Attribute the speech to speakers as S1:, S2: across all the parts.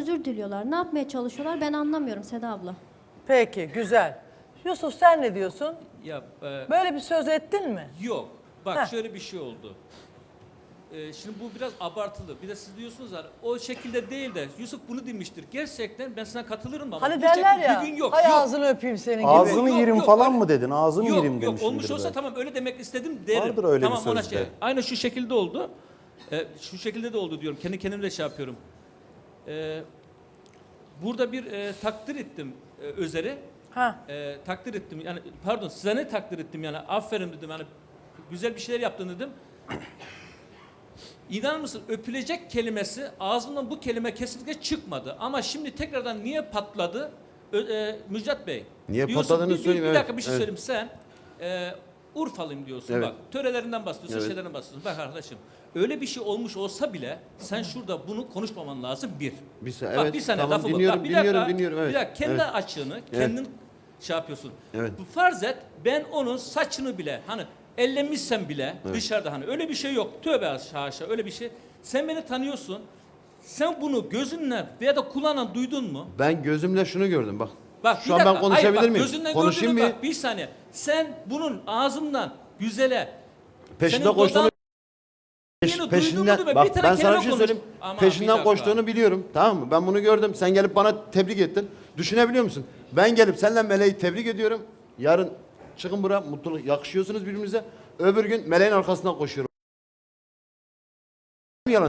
S1: özür diliyorlar. Ne yapmaya çalışıyorlar ben anlamıyorum Seda abla.
S2: Peki, güzel. Yusuf sen ne diyorsun?
S3: Ya,
S2: Böyle bir söz ettin mi?
S3: yok. Bak
S2: Heh.
S3: şöyle bir şey oldu. Şimdi bu biraz abartılı. Bir de siz diyorsunuz ya o şekilde değil de Yusuf bunu demiştir. Gerçekten ben sana katılırım ama
S2: Hani
S3: bu
S2: derler
S3: şekilde
S2: ya,
S3: bir gün yok.
S2: hay
S3: yok.
S2: ağzını öpeyim senin gibi.
S4: Ağzını
S3: Yok,
S4: yerim
S3: yok,
S4: falan
S3: öyle-
S4: mı dedin? Ağzını yerim
S3: Yok
S4: demişsindir
S3: olmuş olsa
S4: belki.
S3: tamam öyle demek istedim derim.
S4: Vardır öyle
S3: tamam,
S4: bir
S3: ona
S4: sözde.
S3: Aynı şu şekilde oldu. Şu şekilde de oldu diyorum. Kendi kendime de şey yapıyorum. Burada bir takdir ettim Özer'i.
S2: Ha.
S3: Takdir ettim. Yani pardon size ne takdir ettim yani aferin dedim. Yani güzel bir şeyler yaptın dedim. İnanır mısın öpülecek kelimesi ağzımdan bu kelime kesinlikle çıkmadı. Ama şimdi tekrardan niye patladı? Müjdat Bey.
S5: Niye
S3: diyorsun,
S5: patladığını söyleyeyim,
S3: Bir
S5: evet,
S3: dakika bir şey
S5: evet.
S3: söyleyeyim. Sen Urfalıyım diyorsun
S5: Evet.
S3: bak. Törelerinden bahsediyorsun,
S5: Evet.
S3: şeylerden bahsediyorsun. Bak arkadaşım öyle bir şey olmuş olsa bile sen şurada bunu konuşmaman lazım bir.
S5: Evet,
S3: Bak bir saniye
S5: tamam,
S3: lafı
S5: dinliyorum,
S3: bak. Bir
S5: dinliyorum,
S3: dakika,
S5: dinliyorum, evet.
S3: Bir dakika kendi
S5: Evet.
S3: açığını kendin şey yapıyorsun.
S5: Evet.
S3: Bu farz et ben onun saçını bile hani ellemişsem bile dışarıda hani öyle bir şey yok. Tövbe haşa öyle bir şey. Sen beni tanıyorsun. Sen bunu gözünle veya da kulağınla duydun mu?
S5: Ben gözümle şunu gördüm bak.
S3: Bak
S5: Şu an ben konuşabilir
S3: hayır, bak,
S5: miyim?
S3: Gözünden
S5: Konuşayım
S3: gördün
S5: mı?
S3: mü? Bak bir saniye. Sen bunun ağzımdan güzele
S5: Peşinde
S3: senin
S5: koştuğunu
S3: dudağın- duydun mu
S5: peşinden
S3: değil mi?
S5: bak
S3: Bir tane
S5: ben sana
S3: kelime
S5: bir şey
S3: konuş.
S5: söyleyeyim.
S3: Aman, bir
S5: Peşinden
S3: dakika.
S5: koştuğunu biliyorum. Tamam mı? Ben bunu gördüm. Sen gelip bana tebrik ettin. Düşünebiliyor musun? Ben gelip seninle Meleği tebrik ediyorum. Yarın çıkın buraya mutluluk yakışıyorsunuz birbirinize. Öbür gün Meleğin arkasından koşuyorum. Yalan.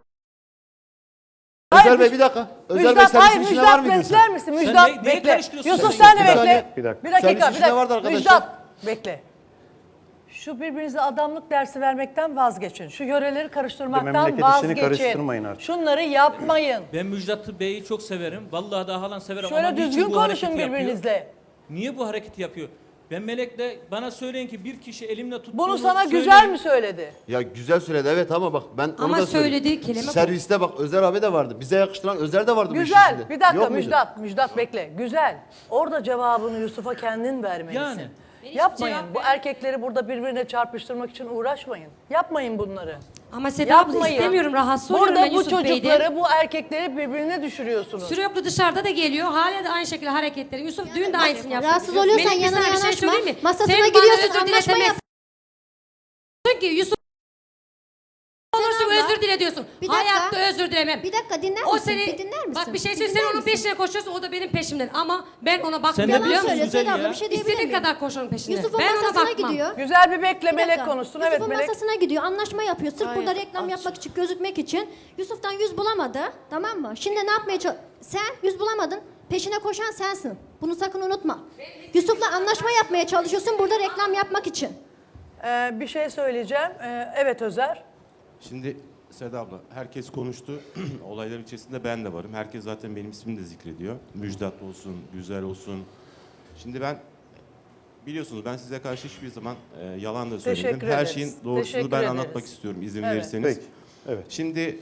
S2: Hayır,
S5: Özer Bey bir dakika. Özer Bey
S2: Müjdat, hayır
S5: servisin içine var
S2: Müjdat
S5: mıydın
S2: bekler
S5: sen?
S2: misin?
S3: Sen
S2: Müjdat
S3: neye
S2: bekle.
S3: karıştırıyorsun
S2: Yusuf
S3: sen?
S2: sen de
S5: Bir
S2: bekle.
S5: saniye,
S4: bir dakika.
S2: Bir dakika,
S5: Servis
S2: bir
S5: içinde vardı
S2: dakika.
S5: arkadaşlar.
S2: Müjdat bekle. Şu birbirinize adamlık dersi vermekten vazgeçin. Şu yöreleri karıştırmaktan
S4: memleket işini
S2: vazgeçin.
S4: karıştırmayın artık.
S2: Şunları yapmayın.
S3: Ben Müjdat Bey'i çok severim. Vallahi daha halan severim ama
S2: Şöyle
S3: niçin
S2: düzgün
S3: bu hareketi
S2: konuşun
S3: yapıyor?
S2: birbirinizle.
S3: Niye bu hareketi yapıyor? Ben Melek'le bana söyleyin ki bir kişi elimle tuttuğunu
S2: Bunu sana
S3: söyleyin.
S2: güzel mi söyledi?
S5: Ya güzel söyledi evet ama bak ben onu
S6: Ama
S5: da söyleyeyim.
S6: söylediği kelime bu.
S5: Serviste bak Özer abi de vardı. Bize yakıştıran Özer de vardı bu işin
S2: Güzel.
S5: içinde.
S2: Bir dakika
S5: Yok muydu?
S2: Müjdat bekle. Güzel. Orada cevabını Yusuf'a kendin vermelisin.
S3: Yani.
S2: Yapmayın.
S6: cevap
S2: Bu erkekleri burada birbirine çarpıştırmak için uğraşmayın. Yapmayın bunları.
S6: Ama Seda abla
S2: Yapmayın.
S6: istemiyorum rahatsız oluyorum
S2: Burada
S6: ben
S2: bu
S6: Yusuf Bey'den.
S2: çocukları, bu erkekleri birbirine düşürüyorsunuz.
S6: Sürekli dışarıda da geliyor. Hala da aynı şekilde hareketleri. Yusuf dün de aynısını yaptı.
S1: Rahatsız oluyorsan
S6: Melek, bir
S1: yanına
S6: sana bir şey
S1: yanaşma.
S6: söyleyeyim mi?
S1: Masasına
S6: Sen bana
S1: gidiyorsun,
S6: özür
S1: anlaşma
S6: diletemezsin.
S1: yap.
S6: Diyorsun ki Yusuf olursun
S1: abla,
S6: özür dile diyorsun.
S1: bir dakika.
S6: Hayatta özür dilemem.
S1: Bir dakika dinler
S6: O
S1: misin?
S6: seni,
S1: Bir dinler misin?
S6: bak bir şey
S1: Bir
S6: söyleyeyim
S1: dinler
S6: sen onun
S1: misin?
S6: peşine koşuyorsun o da benim peşimden ama ben ona
S3: Sen
S6: bakmıyorum
S3: de
S6: biliyor
S1: Yalan
S6: musun?
S1: söyle
S3: güzel
S1: Seda abla
S3: ya.
S1: bir şey diyebilir
S6: İstediğin
S1: miyim?
S6: kadar koş onun peşinden.
S1: Yusuf'un
S6: Ben ona
S1: masasına
S6: bakmam.
S1: gidiyor.
S2: Güzel bir bekle
S1: Bir
S2: Melek
S1: dakika.
S2: konuşsun.
S1: Yusuf'un
S2: Evet Melek.
S1: masasına gidiyor, anlaşma yapıyor. Sırf
S2: Hayır,
S1: burada reklam yapmak için, gözükmek için. Yusuf'tan 100 bulamadı, tamam mı? Şimdi ne yapmaya Sen 100 bulamadın, peşine koşan sensin. Bunu sakın unutma. Yusuf'la anlaşma yapmaya çalışıyorsun burada reklam yapmak için.
S2: Bir şey söyleyeceğim. Evet Özer.
S7: Şimdi Seda abla herkes konuştu. Olayların içerisinde ben de varım. Herkes zaten benim ismimi de zikrediyor. Müjdat olsun, güzel olsun. Şimdi ben biliyorsunuz ben size karşı hiçbir zaman yalan da söylemedim.
S2: Teşekkür
S7: Her
S2: ederiz.
S7: şeyin doğrusunu
S2: Teşekkür
S7: ben
S2: ederiz.
S7: anlatmak istiyorum izin
S2: Evet.
S7: verirseniz.
S4: Peki, evet.
S7: Şimdi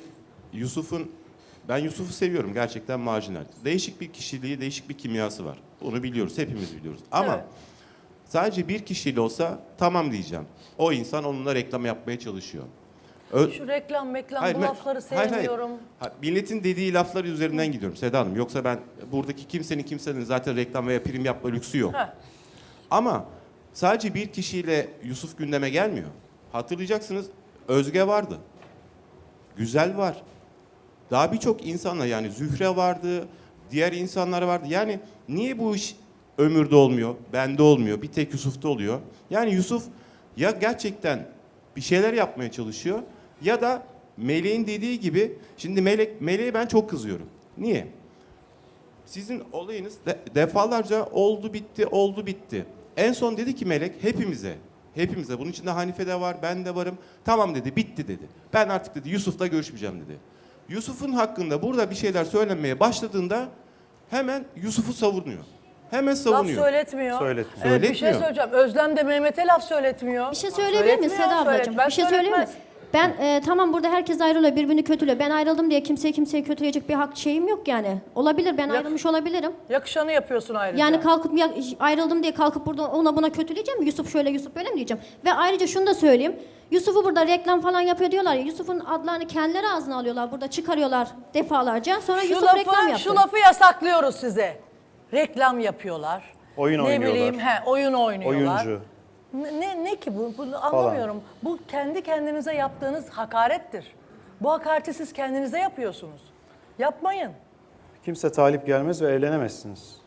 S7: ben Yusuf'u seviyorum gerçekten marjinal. Değişik bir kişiliği, değişik bir kimyası var. Bunu biliyoruz, hepimiz biliyoruz. Ama
S2: Evet.
S7: sadece bir kişiyle olsa tamam diyeceğim. O insan onunla reklam yapmaya çalışıyor.
S2: Şu reklam
S7: Hayır,
S2: bu lafları sevmiyorum.
S7: Milletin dediği laflar üzerinden gidiyorum Seda Hanım. Yoksa ben buradaki kimsenin zaten reklam veya prim yapma lüksü yok.
S2: Heh.
S7: Ama sadece bir kişiyle Yusuf gündeme gelmiyor. Hatırlayacaksınız Özge vardı. Güzel var. Daha birçok insanla yani Zühre vardı, diğer insanlar vardı. Yani niye bu iş Ömür'de olmuyor, bende olmuyor, bir tek Yusuf'ta oluyor? Yani Yusuf ya gerçekten bir şeyler yapmaya çalışıyor ya da Melek'in dediği gibi, şimdi Melek'e ben çok kızıyorum. Niye? Sizin olayınız defalarca oldu bitti. En son dedi ki Melek hepimize bunun içinde Hanife de var, ben de varım. Tamam dedi, bitti dedi. Ben artık dedi Yusuf'la görüşmeyeceğim dedi. Yusuf'un hakkında burada bir şeyler söylenmeye başladığında hemen Yusuf'u savunuyor. Hemen
S2: Laf
S7: savunuyor.
S2: söyletmiyor.
S4: Söyletmiyor.
S2: Evet, bir şey
S7: Söyletmiyor.
S2: söyleyeceğim. Özlem de Mehmet'e laf söyletmiyor.
S1: Bir şey söyleyebilir miyim
S2: Söyletmiyor,
S1: Seda ablacığım?
S2: Ben
S1: Bir şey söyleyeyim mi?
S2: söyletmez.
S1: Ben tamam burada herkes ayrılıyor, birbirini kötülüyor. Ben ayrıldım diye kimseyi kötüleyecek bir hak şeyim yok yani. Olabilir, ben ayrılmış olabilirim.
S2: Yakışanı yapıyorsun ayrıca.
S1: Yani kalkıp ayrıldım diye kalkıp burada ona buna kötüleyeceğim mi? Yusuf şöyle, Yusuf böyle mi diyeceğim? Ve ayrıca şunu da söyleyeyim. Yusuf'u burada reklam falan yapıyor diyorlar ya. Yusuf'un adlarını kendileri ağzına alıyorlar. Burada çıkarıyorlar defalarca. Sonra Yusuf reklam yaptı.
S2: Şu lafı yasaklıyoruz size. Reklam yapıyorlar.
S4: Oyun
S2: ne
S4: oynuyorlar.
S2: bileyim, oyun oynuyorlar.
S4: Oyuncu.
S2: Ne ki bu? Bunu anlamıyorum. Bu kendi kendinize yaptığınız hakarettir. Bu hakareti siz kendinize yapıyorsunuz. Yapmayın.
S4: Kimse talip gelmez ve eğlenemezsiniz.